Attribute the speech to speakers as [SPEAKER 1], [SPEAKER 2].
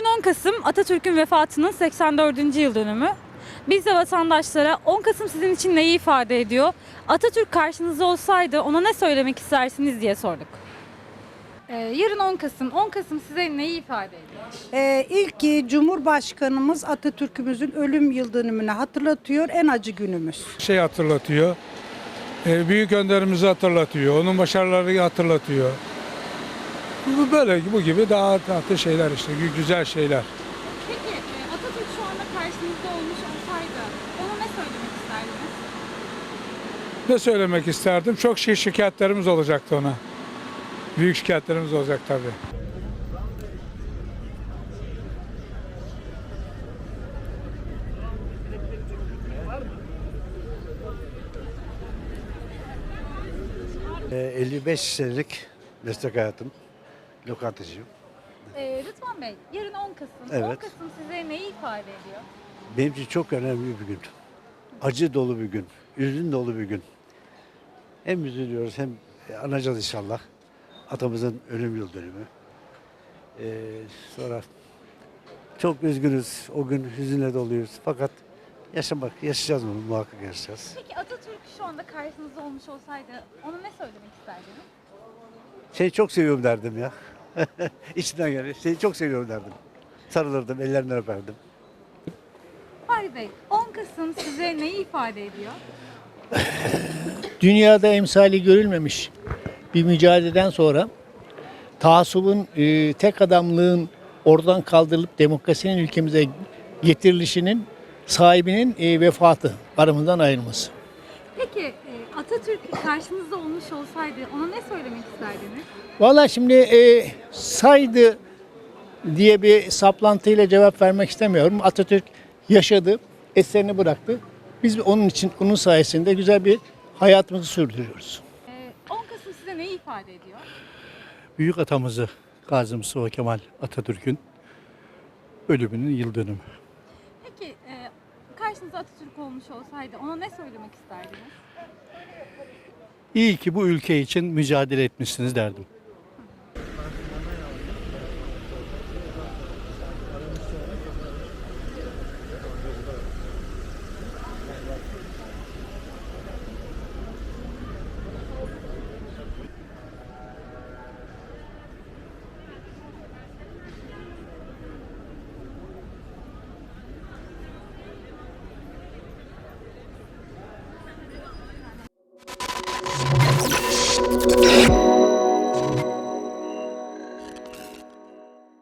[SPEAKER 1] Bugün 10 Kasım Atatürk'ün vefatının 84. yıl dönümü. Biz de vatandaşlara 10 Kasım sizin için neyi ifade ediyor? Atatürk karşınızda olsaydı ona ne söylemek istersiniz diye sorduk. Yarın 10 Kasım. 10 Kasım size neyi ifade ediyor?
[SPEAKER 2] İlk Cumhurbaşkanımız Atatürk'ümüzün ölüm yıl dönümünü hatırlatıyor, en acı günümüz.
[SPEAKER 3] Hatırlatıyor. Büyük önderimizi hatırlatıyor. Onun başarılarını hatırlatıyor. Bu gibi daha tatlı şeyler işte. Güzel şeyler.
[SPEAKER 1] Peki Atatürk şu anda karşınızda olmuş olsaydı ona ne söylemek isterdiniz?
[SPEAKER 3] Ne söylemek isterdim? Çok şikayetlerimiz olacaktı ona. Büyük şikayetlerimiz olacak tabii.
[SPEAKER 4] Ee, 55 senelik meslek hayatım, lokantacıyım.
[SPEAKER 1] Rıdvan Bey, yarın 10 Kasım. 10
[SPEAKER 4] Evet.
[SPEAKER 1] Kasım size neyi ifade ediyor?
[SPEAKER 4] Benim için çok önemli bir gün. Acı dolu bir gün, üzün dolu bir gün. Hem üzülüyoruz hem anacağız inşallah. Atamızın ölüm yıl dönümü. Sonra çok üzgünüz, o gün hüzünle doluyuz. Fakat yaşayacağız bunu, muhakkak yaşayacağız.
[SPEAKER 1] Peki Atatürk şu anda karşınızda olmuş olsaydı ona ne söylemek isterdiniz?
[SPEAKER 4] Seni çok seviyorum derdim ya. İçinden gelir. Seni çok seviyorum derdim. Sarılırdım, ellerinden öperdim.
[SPEAKER 1] Fahri Bey, 10 Kasım size neyi ifade ediyor?
[SPEAKER 5] Dünyada emsali görülmemiş bir mücadeleden sonra taassubun, tek adamlığın oradan kaldırılıp demokrasinin ülkemize getirilişinin sahibinin vefatı, aramızdan ayrılması.
[SPEAKER 1] Peki Atatürk karşınızda olmuş olsaydı ona ne söylemek isterdiniz?
[SPEAKER 5] Vallahi şimdi saydı diye bir saplantıyla cevap vermek istemiyorum. Atatürk yaşadı, eserini bıraktı. Biz onun için, onun sayesinde güzel bir hayatımızı sürdürüyoruz.
[SPEAKER 1] 10 Kasım size neyi ifade ediyor?
[SPEAKER 6] Büyük atamızı Gazi Mustafa Kemal Atatürk'ün ölümünün yıl dönümü.
[SPEAKER 1] Peki karşınızda Atatürk olmuş olsaydı ona ne söylemek isterdiniz?
[SPEAKER 6] İyi ki bu ülke için mücadele etmişsiniz derdim.